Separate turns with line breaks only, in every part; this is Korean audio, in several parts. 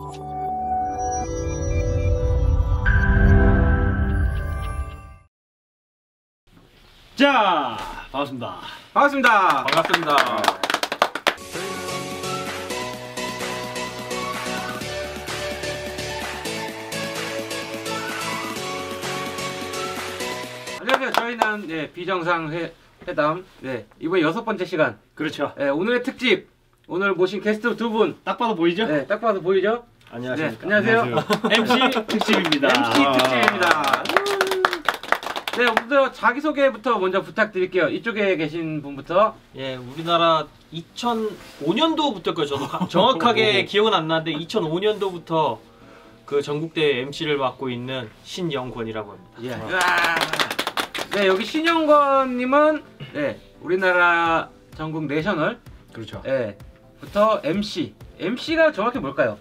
자, 반갑습니다.
반갑습니다.
반갑습니다.
안녕하세요. 저희는 비정상 회담 이번 6번째 시간.
그렇죠.
오늘의 특집. 오늘 모신 게스트 두 분.
딱 봐도 보이죠?
네, 딱 봐도 보이죠?
안녕하십니까.
안녕하세요.
MC 특집입니다.
MC 특집입니다. 네, 먼저 자기소개부터 먼저 부탁드릴게요. 이쪽에 계신 분부터.
예, 우리나라 2005년도부터일까요? 저도 정확하게 기억은 안 나는데 2005년도부터 그 전국대회 MC를 맡고 있는 신영권이라고 합니다.
예. 네, 여기 신영권님은 우리나라 전국 내셔널
그렇죠.
부터 MC. MC가 정확히 뭘까요?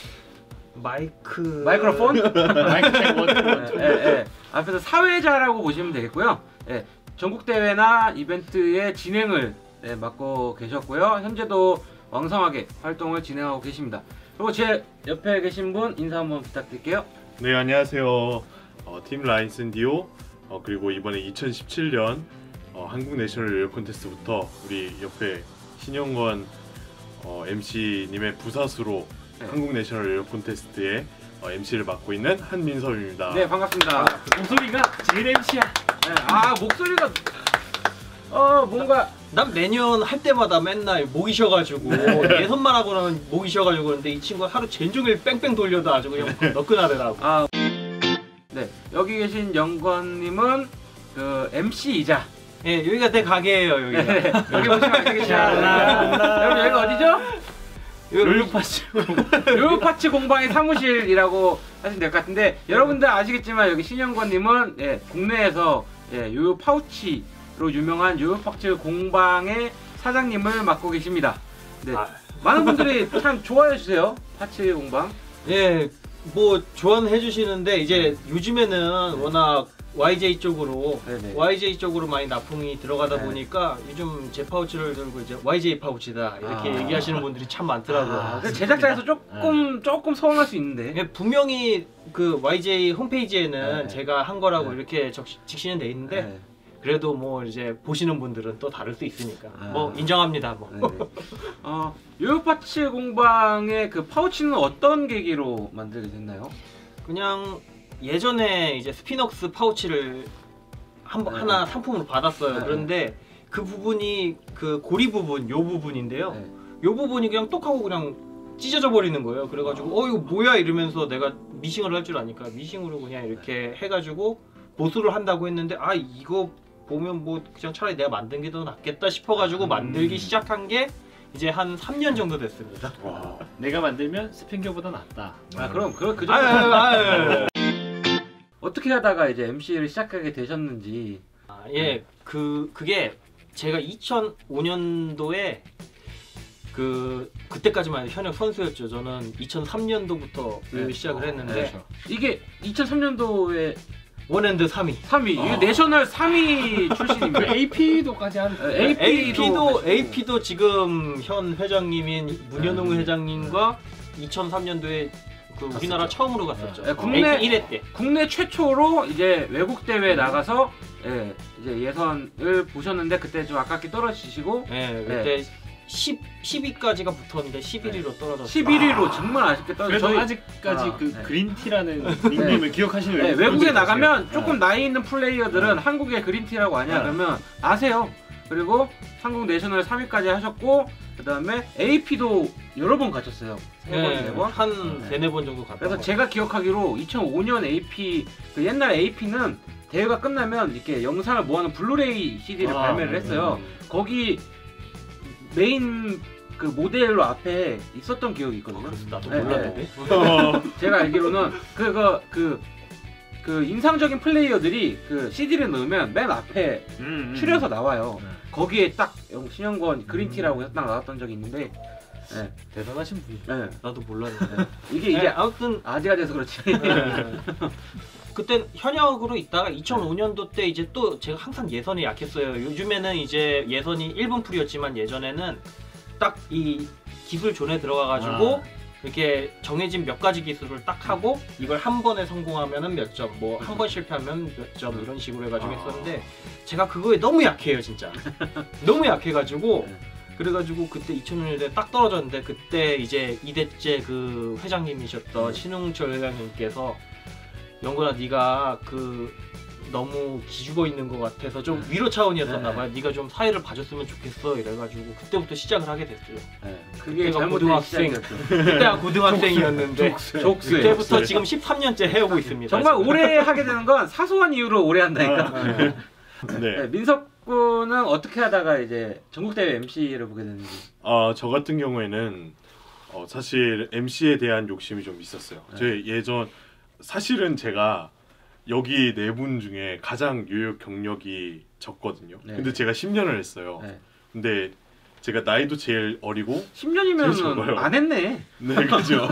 마이크로폰?
마이크 체크 원투.
앞에서 사회자라고 보시면 되겠고요. 전국대회나 이벤트의 진행을 맡고 계셨고요. 현재도 왕성하게 활동을 진행하고 계십니다. 그리고 제 옆에 계신 분 인사 한번 부탁드릴게요.
네, 안녕하세요. 팀 라인슨 디오 그리고 이번에 2017년 한국 내셔널 요요 콘테스트부터 우리 옆에 신영권 MC님의 부사수로 한국 내셔널 요요 콘테스트의 MC를 맡고 있는 한민섭입니다.
네, 반갑습니다.
목소리가 제일 MC야.
목소리가 뭔가
난 매년 할 때마다 맨날 목이 쉬어가지고 예선만 하고 나면 목이 쉬어가지고 그런데 이 친구가 하루 종일 뺑뺑 돌려도 아주 그냥 너끈하더라고.
네, 여기 계신 영권님은 그 MC이자
여기가 내 가게예요. 여기가.
여기 보시면 알겠죠. 여러분 여기가 어디죠? 요요파츠 공방의 사무실이라고 하시면 될 것 같은데 여러분들 아시겠지만 여기 신영권님은 국내에서 요요 파우치로 유명한 요요파츠 공방의 사장님을 맡고 계십니다. 네, 많은 분들이 참 좋아해 주세요. 파츠 공방.
뭐 조언해 주시는데 이제 요즘에는 워낙 YJ 쪽으로 많이 납품이 들어가다 보니까 요즘 제 파우치를 들고 이제 YJ 파우치다 이렇게 얘기하시는 분들이 참 많더라고요.
제작자에서 조금 서운할 수 있는데
분명히 그 YJ 홈페이지에는 제가 한 거라고 이렇게 적시는 돼 있는데 그래도 뭐 이제 보시는 분들은 또 다를 수 있으니까 뭐 인정합니다.
요요파츠 공방의 그 파우치는 어떤 계기로 만들게 됐나요?
그냥 예전에 이제 스피넉스 파우치를 하나 상품으로 받았어요. 그런데 그 부분이 그 고리 부분, 요 부분인데요. 요 부분이 그냥 똑하고 그냥 찢어져 버리는 거예요. 그래가지고 이거 뭐야 이러면서 내가 미싱을 할 줄 아니까 미싱으로 그냥 이렇게 해가지고 보수를 한다고 했는데 이거 보면 뭐 그냥 차라리 내가 만든 게 더 낫겠다 싶어가지고 만들기 시작한 게 이제 한 3년 정도 됐습니다.
내가 만들면 스핑겨보다 낫다.
그럼 그 정도. 어떻게 하다가 이제 MC를 시작하게 되셨는지.
그게 제가 2005년도에 그때까지만 해도 현역 선수였죠. 저는 2003년도부터 시작을 했는데
이게 2003년도에
원핸드 3위.
이게 내셔널 3위 출신입니다.
AP도까지 한.
AP도 지금 현 회장님인 문현웅 회장님과 2003년도에 우리나라 처음으로 갔었죠.
국내
1회 때. 국내
최초로 이제 외국 대회에 나가서 이제 예선을 보셨는데 그때 좀 아깝게 떨어지시고
그때 10위까지가 붙었는데 11위로 떨어졌어요.
11위로 정말 아쉽게 떨어졌어요.
그래도 아직까지 그린티라는 닉네임을 기억하시는 거예요?
외국에 나가면 조금 나이 있는 플레이어들은 한국의 그린티라고 아냐 그러면 아세요. 그리고 한국 내셔널 3위까지 하셨고 그 다음에 AP도 여러 번 가셨어요. 3번, 4번?
한 3-4번 정도 갔다.
그래서 제가 기억하기로 2005년 AP, 그 옛날 AP는 대회가 끝나면 이렇게 영상을 모아놓은 블루레이 CD를 발매를 했어요. 거기 메인 그 모델로 앞에 있었던 기억이 있거든요.
나도 몰랐는데.
제가 알기로는 그 인상적인 플레이어들이 그 CD를 넣으면 맨 앞에 추려서 나와요. 거기에 딱 신영권 그린티라고 딱 나왔던 적이 있는데
대단하신 분이죠.
나도 몰랐는데.
이게
아무튼
아재가 돼서 그렇지.
그땐 현역으로 있다가 2005년도 때 이제 또 제가 항상 예선에 약했어요. 요즘에는 이제 예선이 1분 풀이었지만 예전에는 딱 이 기술 존에 들어가가지고 이렇게 정해진 몇 가지 기술을 딱 하고 이걸 한 번에 성공하면은 몇 점, 뭐 한 번 실패하면 몇 점 이런 식으로 해가지고 했었는데 제가 그거에 너무 약해요 진짜. 너무 약해가지고 그래가지고 그때 2000년대 딱 떨어졌는데 그때 이제 이대째 그 회장님이셨던 신웅철 회장님께서 영건아 네가 그 너무 기죽어 있는 것 같아서 좀 위로 차원이었었나 봐요. 네가 좀 사회를 봐줬으면 좋겠어 이래가지고 그때부터 시작을 하게 됐어요.
그게
그때가
고등학생.
그때가 고등학생이었는데
족수예요.
그때부터 지금 13년째 해오고 있습니다.
정말 오래 하게 되는 건 사소한 이유로 오래 한다니까.
네.
네, 민석 군은 어떻게 하다가 이제 전국대회 MC를 보게 됐는지.
저 같은 경우에는 사실 MC에 대한 욕심이 좀 있었어요. 제 예전 사실은 제가 여기 네 분 중에 가장 유효 경력이 적거든요.
네.
근데 제가 10년을 했어요.
네.
근데 제가 나이도 제일 어리고
10년이면 안 했네.
네, 그죠.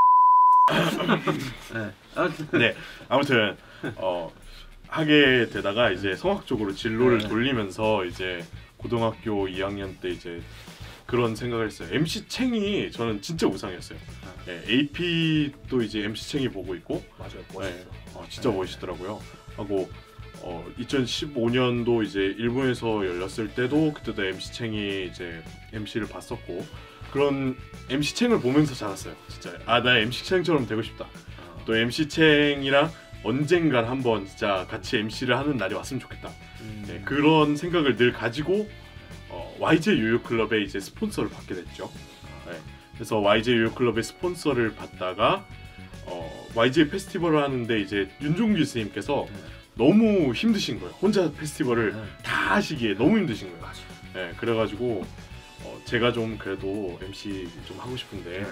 네. 아무튼
네, 아무튼 하게 되다가 이제 성악 쪽으로 진로를
네.
돌리면서 이제 고등학교 2학년 때 이제 그런 생각을 했어요. MC 챙이 저는 진짜 우상이었어요. 네, AP도 이제 MC 챙이 보고 있고
맞아요, 멋있어.
진짜 멋있더라고요. 하고 2015년도 이제 일본에서 열렸을 때도 그때도 MC 챙이 이제 MC를 봤었고 그런 MC 챙을 보면서 자랐어요. 진짜 나 MC 챙처럼 되고 싶다. 또 MC 챙이랑 언젠간 한번 진짜 같이 MC를 하는 날이 왔으면 좋겠다. 네, 그런 생각을 늘 가지고 YJ 요요클럽에 이제 스폰서를 받게 됐죠. 네, 그래서 YJ 요요클럽의 스폰서를 받다가 YJ 페스티벌을 하는데 이제 윤종규 스님께서 너무 힘드신 거예요. 혼자 페스티벌을 다 하시기에 너무 힘드신 거예요. 네, 그래가지고 제가 좀 그래도 MC 좀 하고 싶은데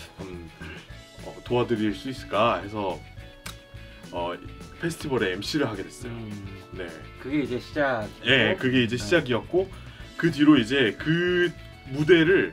도와드릴 수 있을까 해서 페스티벌에 MC를 하게 됐어요. 네.
그게 이제 시작.
네, 그게 이제 시작이었고 그 뒤로 이제 그 무대를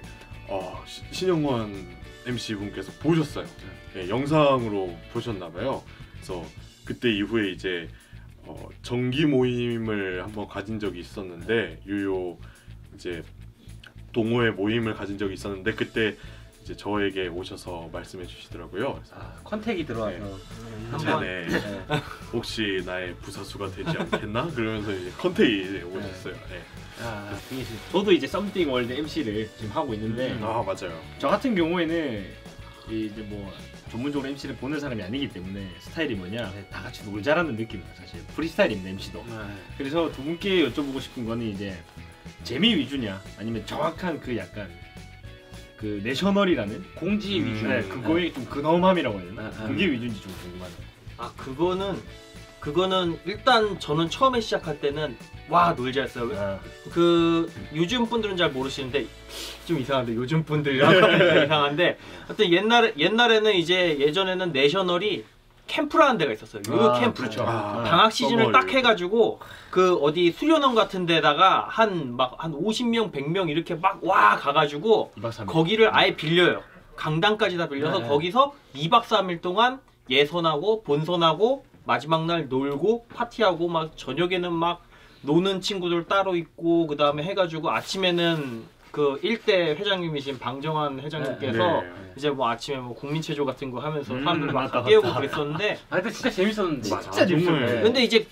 신영권 MC 분께서 보셨어요. 네, 영상으로 보셨나봐요. 그래서 그때 이후에 이제 정기 모임을 한번 가진 적이 있었는데 유요 이제 동호회 모임을 가진 적이 있었는데 그때 이제 저에게 오셔서 말씀해 주시더라고요. 그래서
컨택이 들어와서
자네 혹시 나의 부사수가 되지 않겠나? 그러면서 이제 컨택이 오셨어요. 네.
그게 저도 이제 썸띵 월드 MC를 지금 하고 있는데
맞아요.
저 같은 경우에는 이제 뭐 전문적으로 MC를 보는 사람이 아니기 때문에 스타일이 뭐냐 다 같이 놀자라는 느낌이에요. 사실 프리스타일입니다 MC도. 그래서 두 분께 여쭤보고 싶은 거는 이제 재미 위주냐 아니면 정확한 그 약간 그 내셔널이라는
공지 위주.
네, 그거의 좀 근엄함이라고 해야 되나? 그게 위주인지 좀 궁금하네요.
그거는 일단 저는 처음에 시작할 때는 와 놀자 했어요. 그 요즘 분들은 잘 모르시는데 좀 이상한데 요즘 분들이랑 이상한데 하여튼 옛날에는 이제 예전에는 내셔널이 캠프라는 데가 있었어요. 요요 캠프.
그렇죠.
방학 시즌을 딱 해가지고 그 어디 수련원 같은 데다가 한 50명 100명 이렇게 막 와 가가지고 거기를 아예 빌려요. 강당까지 다 빌려서 거기서 2박 3일 동안 예선하고 본선하고 마지막 날 놀고 파티하고 막 저녁에는 막 노는 친구들 따로 있고 그 다음에 해가지고 아침에는 그 일대 회장님이신 방정환 회장님께서 이제 뭐 아침에 뭐 국민체조 같은 거 하면서 사람들 막 깨우고 그랬었는데
근데 진짜 재밌었는데
진짜 재밌었네.
근데 이제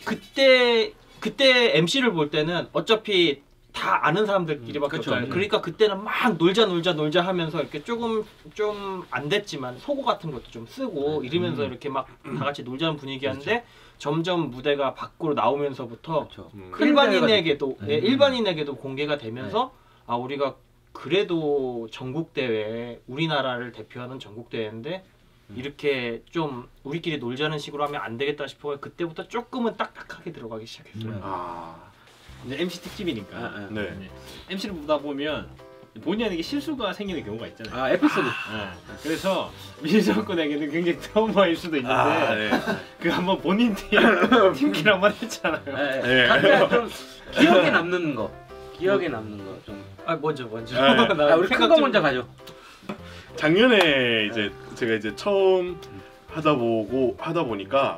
그때 MC를 볼 때는 어차피 다 아는 사람들끼리밖에 없잖아요. 그러니까 그때는 막 놀자 하면서 이렇게 조금 좀 안 됐지만 속어 같은 것도 좀 쓰고 이러면서 이렇게 막 다 같이 놀자는 분위기였는데 점점 무대가 밖으로 나오면서부터 일반인에게도 공개가 되면서 우리가 그래도 전국대회 우리나라를 대표하는 전국대회인데 이렇게 좀 우리끼리 놀자는 식으로 하면 안 되겠다 싶어 그때부터 조금은 딱딱하게 들어가기 시작했어요.
이제 MC 특집이니까
네.
MC를 보다 보면 본의 아니게 실수가 생기는 경우가 있잖아요.
에피소드.
그래서 민석 군에게는 굉장히 트라우마일 수도 있는데 그 한번 본인 팀킬 한번 했잖아요.
각자 좀 기억에 남는 거 좀.
먼저.
우리 큰 거 먼저 가죠.
작년에 이제 제가 이제 처음 하다 보니까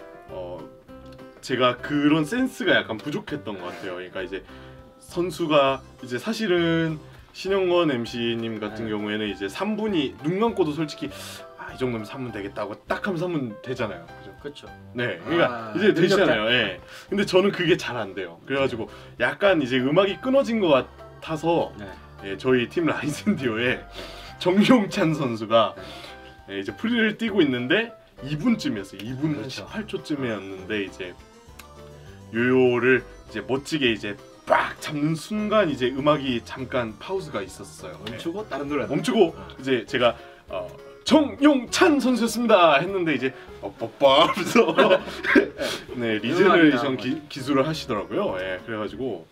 제가 그런 센스가 약간 부족했던 것 같아요. 그러니까 이제 선수가 이제 사실은 신영권 MC님 같은
네.
경우에는 이제 3분이 눈 감고도 솔직히 이 정도면 3분 되겠다고 딱 하면 3분 되잖아요. 그죠?
그렇죠.
네, 그러니까 이제 되시잖아요. 예. 근데 저는 그게 잘 안 돼요. 그래가지고 약간 이제 음악이 끊어진 것 같아서
네.
예, 저희 팀 라이센디오에 정용찬 선수가 예, 이제 프리를 뛰고 있는데 2분쯤이었어요. 2분
그렇죠.
18초쯤이었는데 이제 요요를 이제 멋지게 이제 빡 잡는 순간 이제 음악이 잠깐 파우즈가 있었어요.
멈추고 다른 노래
멈추고 이제 제가 정용찬 선수였습니다 했는데 이제 뻑뻑뻑 하면서 네 리제너레이션 기술을 하시더라고요. 예, 그래가지고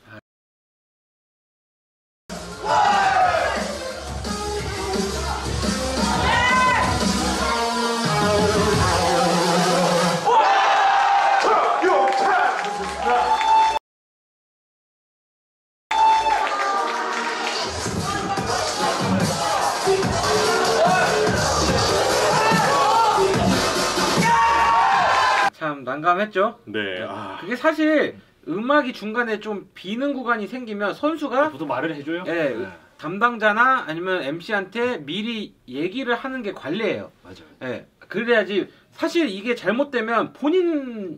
참 난감했죠.
네,
그게 사실 음악이 중간에 좀 비는 구간이 생기면 선수가
보통 말을 해줘요.
예, 담당자나 아니면 MC한테 미리 얘기를 하는 게 관리예요.
맞아요.
예, 그래야지. 사실 이게 잘못되면 본인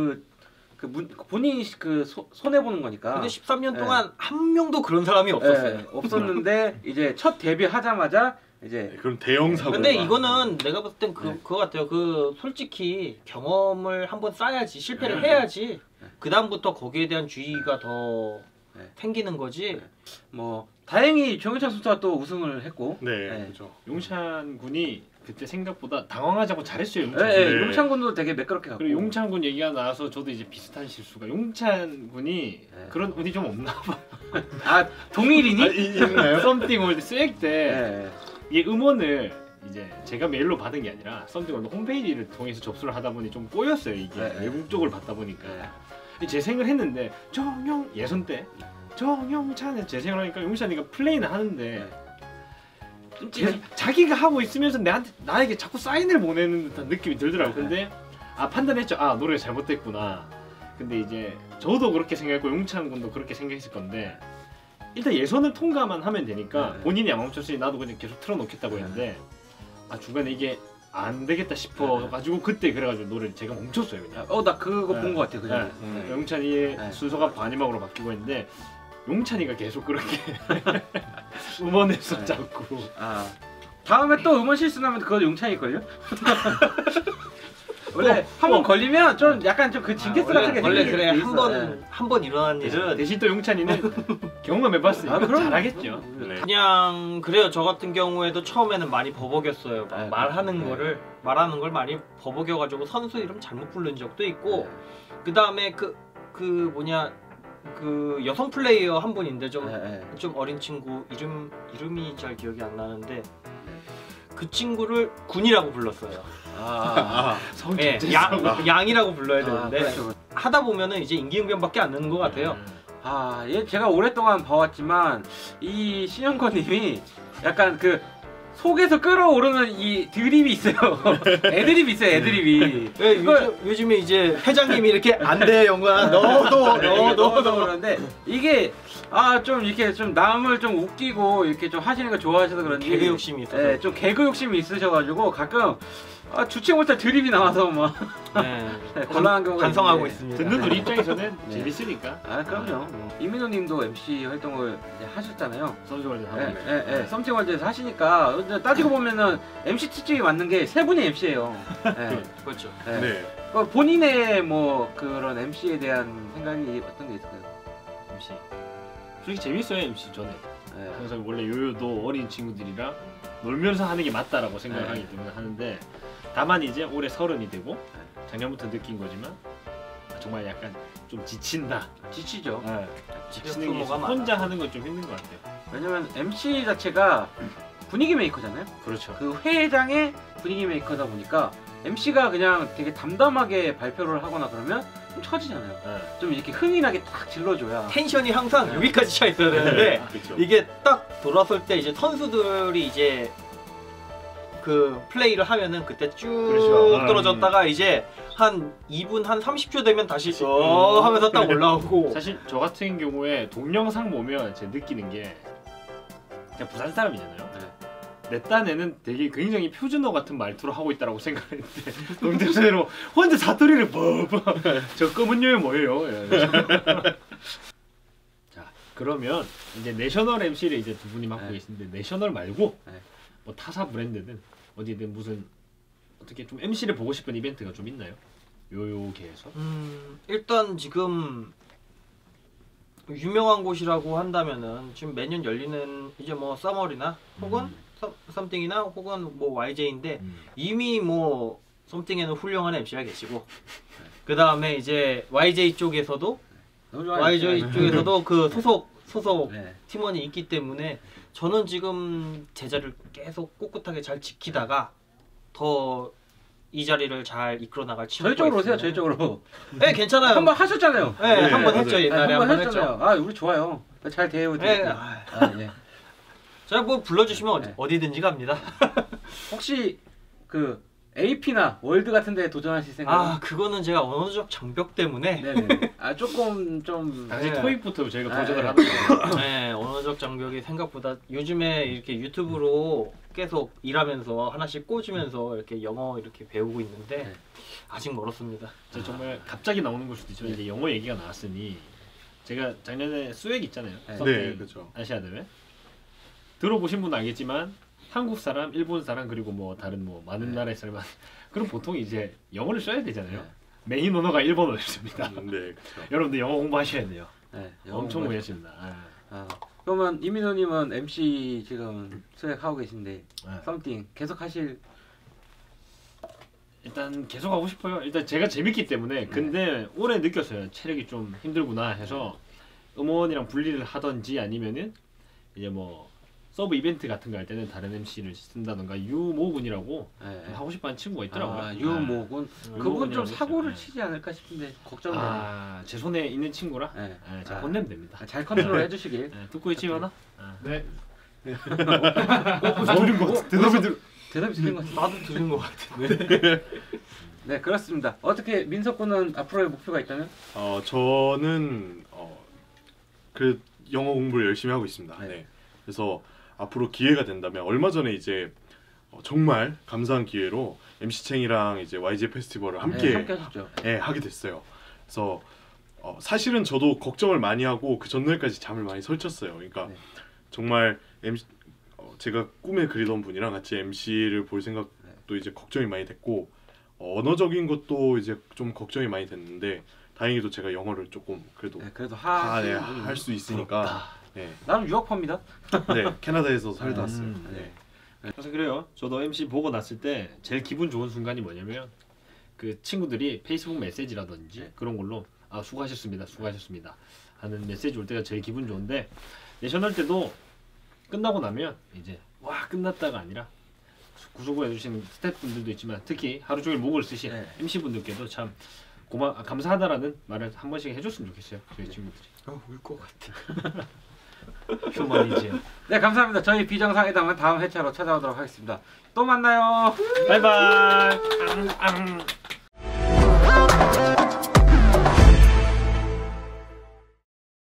본인이 손해 보는 거니까.
근데 13년 동안 한 명도 그런 사람이 없었어요.
예, 없었는데 이제 첫 데뷔하자마자 이제
네, 그럼 대형 사고.
근데 이거는 내가 봤을 땐
네.
그거 같아요. 솔직히 경험을 한번 쌓아야지, 실패를
네.
해야지. 그 다음부터 거기에 대한 주의가 더
네.
생기는 거지.
뭐 다행히 정윤찬 선수가 또 우승을 했고.
네,
네.
그렇죠.
용찬 군이 그때 생각보다 당황하지 않고 잘했어요. 용찬.
예, 예,
네.
용찬 군도 되게 매끄럽게 갔고.
그리고 용찬 군 얘기가 나와서 저도 이제 비슷한 실수가 용찬 군이
네.
그런 운이 좀 없나 봐.
아 동일이니?
있나요? 썸띵 월드 스웩 때
예.
이 음원을 이제 제가 메일로 받은 게 아니라 썸띵 월드 홈페이지를 통해서 접수를 하다 보니 좀 꼬였어요. 이게
네.
외국 쪽을 받다 보니까 재생을 했는데 예선 때 정용찬에 재생을 하니까 용찬이가 플레이는 하는데
찜찜해.
자기가 하고 있으면서 나에게 자꾸 사인을 보내는 듯한 느낌이 들더라고. 근데 판단했죠. 노래가 잘못됐구나. 근데 이제 저도 그렇게 생각했고 용찬 군도 그렇게 생각했을 건데 일단 예선을 통과만 하면 되니까 본인이 안 멈췄으니 나도 그냥 계속 틀어놓겠다고 했는데 중간에 이게 안 되겠다 싶어가지고 그때 그래가지고 노래를 제가 멈췄어요 그냥.
나 그거 본 거 같아 그 전에.
용찬이의 순서가 반이막으로 바뀌고 했는데 용찬이가 계속 그렇게 음원에서 자꾸
다음에 또 음원 실수 나면 그거 용찬이 걸요? 원래 한 번 걸리면 좀 약간 좀 그 징계스 같은 게
원래
생기는
그래
게 있어.
한 번 일어난 일은
대신 또 용찬이는 경험해봤으니까
그럼.
잘하겠죠.
네.
그냥 그래요. 저 같은 경우에도 처음에는 많이 버벅였어요.
네,
말하는
네.
거를 많이 버벅여가지고 선수 이름 잘못 부른 적도 있고 그 다음에 그 여성 플레이어 한 분인데 좀 어린 친구 이름이 잘 기억이 안 나는데 그 친구를 군이라고 불렀어요. 네, 양이라고 불러야 되는데
그렇죠.
하다 보면은 이제 임기응변밖에 안 되는 것 같아요.
얘 제가 오랫동안 봐왔지만 이 신영권님이 약간 그 속에서 끌어오르는 이 드립이 있어요. 애드립이 있어요. 애드립이.
요즘에 이제 회장님이 이렇게 안 돼 영광 넣어도
그러는데 이게 좀 이렇게 좀 남을 좀 웃기고 이렇게 좀 하시는 거 좋아하셔서 그런지
개그 욕심이 있어서
좀 개그 욕심이 있으셔가지고 가끔 주체 못할 드립이 나와서 막 곤란한 경우가
반성하고
있는데.
있습니다.
듣는 우리 입장에서는 재밌으니까.
그럼요. 이민호님도 MC 활동을 이제 하셨잖아요.
썸띵월드 하고.
썸띵월드에서 하시니까 따지고 보면은 MC 특집이 맞는 게 세 분이 MC예요.
그렇죠.
네.
본인의 뭐 그런 MC에 대한 생각이 어떤 게 있을까요?
MC. 솔직히 재밌어요 MC 저는. 항상 원래 요요도 어린 친구들이랑 놀면서 하는 게 맞다라고 생각을 하기 때문에 하는데 다만 이제 올해 30이 되고 작년부터 느낀 거지만 정말 약간 좀 지친다.
지치죠.
지치는 게 혼자 하는 건 좀 힘든 것 같아요.
왜냐면 MC 자체가 분위기 메이커잖아요.
그렇죠.
그 회장의 분위기 메이커다 보니까 MC가 그냥 되게 담담하게 발표를 하거나 그러면 좀 처지잖아요. 좀 이렇게 흥이 나게 딱 질러줘야
텐션이 항상 여기까지 차 있어야 되는데
그렇죠.
이게 딱 돌아설 때 이제 선수들이 이제 그 플레이를 하면은 그때 쭉
그렇죠.
떨어졌다가 이제 한 2분 한 30초 되면 다시 하면서 딱 올라오고
사실 저 같은 경우에 동영상 보면 제가 느끼는 게 제가 부산 사람이잖아요.
네.
내 딴에는 되게 굉장히 표준어 같은 말투로 하고 있다라고 생각했는데 농담대로 혼자 사투리를 뭐 저 검은 요요 뭐예요? 자 그러면 이제 내셔널 MC를 이제 두 분이 맡고
네.
계신데 내셔널 말고
네.
뭐 타사 브랜드든 어디든 무슨 어떻게 좀 MC를 보고 싶은 이벤트가 좀 있나요? 요요계에서?
일단 지금 유명한 곳이라고 한다면은 지금 매년 열리는 이제 뭐 서머리나 혹은 썸띵이나 혹은 뭐 YJ인데 이미 뭐 썸띵에는 훌륭한 MC가 계시고 그 다음에 이제 YJ 쪽에서도
너무 좋아요.
YJ 쪽에서도 그 소속
네.
팀원이 있기 때문에 저는 지금 제 자리를 계속 꿋꿋하게 잘 지키다가 더 이 자리를 잘 이끌어 나갈 친구가
저희 쪽으로 오세요.
있으면은-
저희 쪽으로.
네 괜찮아요.
한번 하셨잖아요.
네,
네,
한번
맞아요.
했죠 옛날에
한번
한번 했죠.
하셨잖아요. 아 우리 좋아요. 잘 대해요.
네,
예.
제가 뭐 불러주시면
네.
어디든지 갑니다.
혹시 그 AP나 월드 같은데 도전하실 생각?
아 그거는 제가 언어적 장벽 때문에
네네. 아 조금 좀.
당시
네.
토익부터 저희가
아,
도전을
네.
하는 거예요.
네, 언어적 장벽이 생각보다 요즘에 이렇게 유튜브로 계속 일하면서 하나씩 꽂으면서 이렇게 영어 이렇게 배우고 있는데
네.
아직 멀었습니다.
정말 갑자기 나오는 걸 수도 있지만 이제 영어 얘기가 나왔으니 제가 작년에 수액 있잖아요.
네.
썸띵
네, 그렇죠.
아시아 대회 들어보신 분은 알겠지만 한국 사람, 일본 사람 그리고 뭐 다른 뭐 많은
네.
나라의 사람 그럼 보통 이제 영어를 써야 되잖아요.
네.
메인 언어가 일본어였습니다.
네, 그렇죠.
여러분들 영어 공부하셔야 돼요.
네.
엄청
영어
무리하십니다.
아, 그러면 이민호님은 MC 지금 수행하고 계신데
아.
썸띵 계속 하실.
일단 계속 하고 싶어요. 일단 제가 재밌기 때문에 근데 올해 느꼈어요. 체력이 좀 힘들구나 해서 음원이랑 분리를 하던지 아니면은 이제 뭐 서브 이벤트 같은 거 할 때는 다른 MC를 쓴다던가 유모군이라고
네.
하고 싶어하는 친구가 있더라고요.
아, 유모군. 그분 좀 사고를 치지 않을까 싶은데 걱정되네요.
제 손에 있는 친구라
네.
제가
아.
혼내면 됩니다.
잘 컨트롤 해주시길.
듣고 있지 마나?
네.
들은 거 같아.
대답이 들린 것 같은데.
나도 들은 것 같은데.
네 그렇습니다. 어떻게 민석 군은 앞으로의 목표가 있다면?
저는 그 영어 공부를 열심히 하고 있습니다.
네.
네. 그래서 앞으로 기회가 된다면 얼마 전에 이제 정말 감사한 기회로 MC 챙이랑 이제 YG 페스티벌을 함께
함께 하셨죠.
네, 하게 됐어요. 그래서 사실은 저도 걱정을 많이 하고 그 전날까지 잠을 많이 설쳤어요. 그러니까
네.
정말 MC 제가 꿈에 그리던 분이랑 같이 MC를 볼 생각도 이제 걱정이 많이 됐고 언어적인 것도 이제 좀 걱정이 많이 됐는데 다행히도 제가 영어를 조금 그래도
네, 그래도
할 수 있으니까 네,
나는 유학파입니다.
네 캐나다에서 살다 왔어요.
네.
네.
그래서 그래요. 저도 MC 보고 났을 때 제일 기분 좋은 순간이 뭐냐면 그 친구들이 페이스북 메시지라든지
네.
그런 걸로 수고하셨습니다, 수고하셨습니다 하는 메시지 올 때가 제일 기분 좋은데 내셔널 때도 끝나고 나면 이제 와 끝났다가 아니라 구속을 해주시는 스태프분들도 있지만 특히 하루 종일 목을 쓰신
네.
MC 분들께도 참 감사하다라는 말을 한 번씩 해줬으면 좋겠어요. 저희 친구들이.
울 것 같아.
휴머니즘.
네 감사합니다. 저희 비정상회담은 다음 회차로 찾아오도록 하겠습니다. 또 만나요.
바이바이.